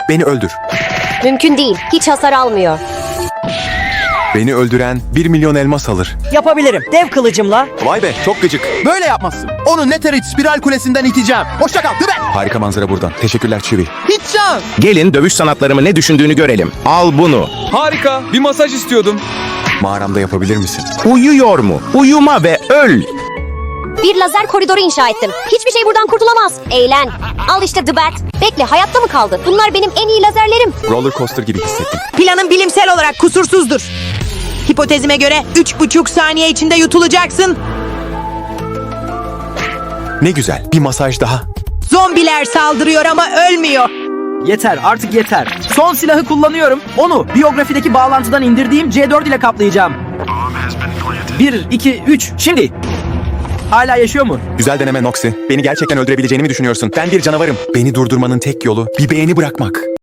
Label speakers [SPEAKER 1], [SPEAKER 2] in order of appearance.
[SPEAKER 1] Beni öldür.
[SPEAKER 2] Mümkün değil. Hiç hasar almıyor.
[SPEAKER 1] Beni öldüren 1 milyon elmas alır.
[SPEAKER 3] Yapabilirim. Dev kılıcımla.
[SPEAKER 1] Vay be, çok gıcık.
[SPEAKER 4] Böyle yapmazsın. Onu Netherite spiral kulesinden iteceğim. Hoşça kal. Dübel.
[SPEAKER 1] Harika manzara buradan. Teşekkürler Chewie.
[SPEAKER 4] Hiç şans.
[SPEAKER 5] Gelin dövüş sanatlarımı ne düşündüğünü görelim. Al bunu.
[SPEAKER 6] Harika. Bir masaj istiyordum.
[SPEAKER 1] Mağaramda yapabilir misin?
[SPEAKER 5] Uyuyor mu? Uyuma ve öl.
[SPEAKER 2] Bir lazer koridoru inşa ettim. Hiçbir şey buradan kurtulamaz. Eğlen. Al işte The Bat. Bekle, hayatta mı kaldı? Bunlar benim en iyi lazerlerim.
[SPEAKER 1] Roller coaster gibi hissettim.
[SPEAKER 3] Planın bilimsel olarak kusursuzdur. Hipotezime göre 3,5 saniye içinde yutulacaksın.
[SPEAKER 1] Ne güzel. Bir masaj daha.
[SPEAKER 3] Zombiler saldırıyor ama ölmüyor.
[SPEAKER 7] Yeter, artık yeter. Son silahı kullanıyorum. Onu biyografideki bağlantıdan indirdiğim C4 ile kaplayacağım. 1, 2, 3, şimdi. Hala yaşıyor mu?
[SPEAKER 1] Güzel deneme Noxy. Beni gerçekten öldürebileceğini mi düşünüyorsun? Ben bir canavarım. Beni durdurmanın tek yolu bir beğeni bırakmak.